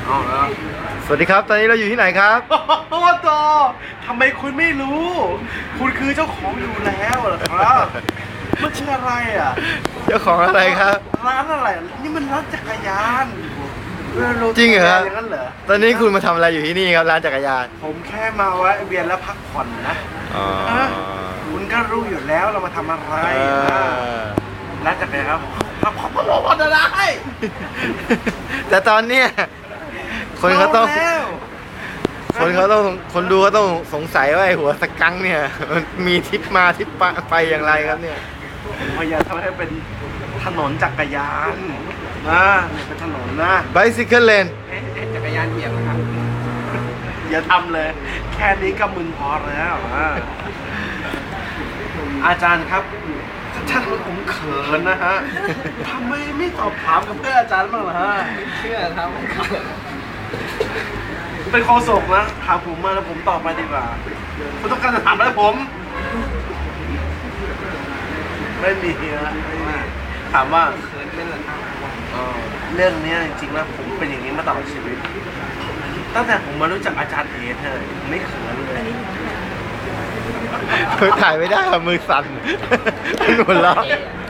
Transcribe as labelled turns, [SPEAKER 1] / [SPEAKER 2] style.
[SPEAKER 1] เอาแล้ว
[SPEAKER 2] สวัสดีครับ ตอนนี้เราอยู่ที่ไหนครับ
[SPEAKER 1] โอ้โตทำไมคุณไม่รู้ คุณคือเจ้าของอยู่แล้วเหรอครับมันชื่ออะไรอ่ะ
[SPEAKER 2] เจ้าของอะไรครับ
[SPEAKER 1] ร้านอะไร นี่มันร้านจักรยาน
[SPEAKER 2] จริงเหรอครับ
[SPEAKER 1] อย่างนั้นเหรอ
[SPEAKER 2] ตอนนี้คุณมาทำอะไรอยู่ที่นี่ครับร้านจักรยาน
[SPEAKER 1] ผมแค่มาแวะเวียนแล้วพักผ่อนนะ
[SPEAKER 2] อ๋อ
[SPEAKER 1] คุณก็รู้อยู่แล้วเรามาทำอะไร
[SPEAKER 2] เอ
[SPEAKER 1] นะ
[SPEAKER 2] อ
[SPEAKER 1] ร้านจักรยานครับพักผ่อนอะไร
[SPEAKER 2] แต่ตอนเนี้ยคนเขาต้อง
[SPEAKER 1] แล้ว
[SPEAKER 2] คนดูเขาต้องสงสัยว่าไอ้หัวสกังเนี่ยมันมีทิศมาทิศไปอย่างไรครับเนี่ย
[SPEAKER 1] ผมพยายามทำให้เป็นถนนจักรยานนะเนี่ยเป็นถนนนะ
[SPEAKER 2] bicycle lane
[SPEAKER 1] จักรยานเหยียบนะครับอย่าทำเลย แค่นี้ก็มึนพอแล้วอาจารย์ครับท่านผมเขินนะฮะทำไมไม่สอบถามกับเพื่อนอาจารย์บ้างล่ะฮะ
[SPEAKER 3] เชื่อครับ
[SPEAKER 1] เป็นโฆษกนะถามผมมาแล้วผมตอบไปดีกว่าคุณต้องการจะถามอะไรผม ไม่มีนะไม่มีถามว่า
[SPEAKER 3] เขินเป็นเหรอครับ
[SPEAKER 1] เรื่องเนี้ยจริงๆแล้วผมเป็นอย่างนี้มาตลอดชีวิต ตั้งแต่ผมมารู้จักอาจารย์เอเธอผมไม่เขินเลย
[SPEAKER 2] ถ่ายไม่ได้ค่ะมือสั่น หัวเราะ